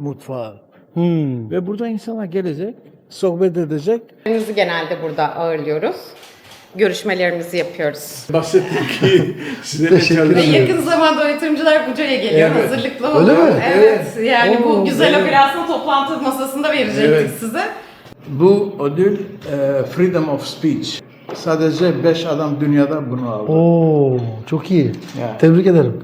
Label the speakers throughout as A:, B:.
A: mutfağı. Ve burada insanlar gelecek, sohbet edecek.
B: Bizi genelde burada ağırlıyoruz. Görüşmelerimizi yapıyoruz.
A: Bahsettim ki size de
C: Teşekkür
B: Ve
A: çalışıyorum.
B: yakın zamanda o yatırımcılar Buca'ya geliyor.
A: Evet.
B: Hazırlıklı
C: Öyle
B: olun.
C: mi?
B: Evet. Yani
A: Oo,
B: bu güzel
A: evet.
B: operasyonu toplantı masasında verecektik
A: Evet.
B: size.
A: Bu ödül Freedom of Speech. Sadece 5 adam dünyada bunu aldı.
C: Oo, çok iyi.
A: Ya.
C: Tebrik ederim.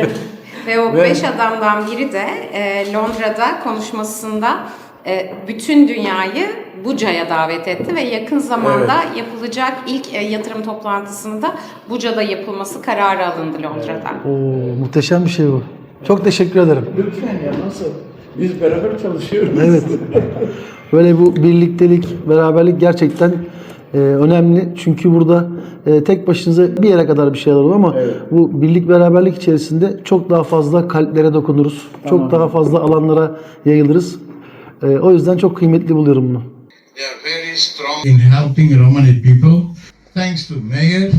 B: Ve o
A: Ve-
B: 5 adamdan biri de Londra'da konuşmasında bütün dünyayı Buca'ya davet etti ve yakın zamanda yapılacak ilk yatırım toplantısında Buca'da yapılması kararı alındı Londra'da.
C: Oo, muhteşem bir şey bu. Çok teşekkür ederim.
A: Lütfen ya, nasıl? Biz beraber çalışıyoruz.
C: Evet. Böyle bu birliktelik, beraberlik gerçekten önemli. Çünkü burada tek başınıza bir yere kadar bir şeyler olur ama bu birlik beraberlik içerisinde çok daha fazla kalplere dokunuruz. Çok daha fazla alanlara yayılırız. O yüzden çok kıymetli buluyorum bunu.
D: They are very strong in helping Romani people. Thanks to Mayor,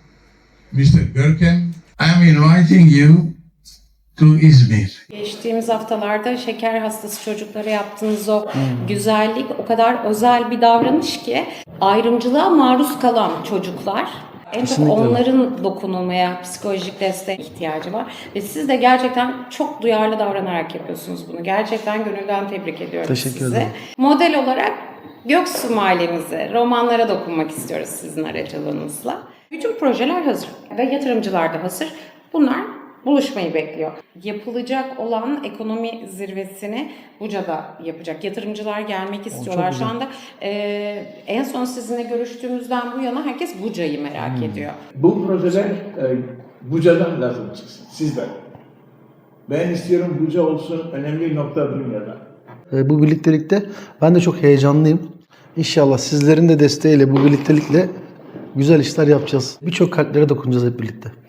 D: Mr. Görkem, I am inviting you to İzmir.
B: Geçtiğimiz haftalarda şeker hastası çocuklara yaptığınız o güzellik o kadar özel bir davranış ki ayrımcılığa maruz kalan çocuklar en çok
C: Kesinlikle.
B: onların dokunulmaya, psikolojik destek ihtiyacı var. Ve siz de gerçekten çok duyarlı davranarak yapıyorsunuz bunu. Gerçekten gönülden tebrik ediyorum
C: Teşekkür
B: sizi.
C: ederim.
B: Model olarak Göksu Mahallemize, romanlara dokunmak istiyoruz sizin aracılığınızla. Bütün projeler hazır ve yatırımcılar da hazır. Bunlar buluşmayı bekliyor. Yapılacak olan ekonomi zirvesini Buca'da yapacak. Yatırımcılar gelmek istiyorlar. Şu anda en son sizinle görüştüğümüzden bu yana herkes Buca'yı merak ediyor.
A: Bu projeler Buca'dan lazım çıksın, sizden. Ben istiyorum Buca olsun önemli nokta dünyada.
C: Bu birliktelikte ben de çok heyecanlıyım. İnşallah sizlerin de desteğiyle bu birliktelikle güzel işler yapacağız. Birçok kalplere dokunacağız hep birlikte.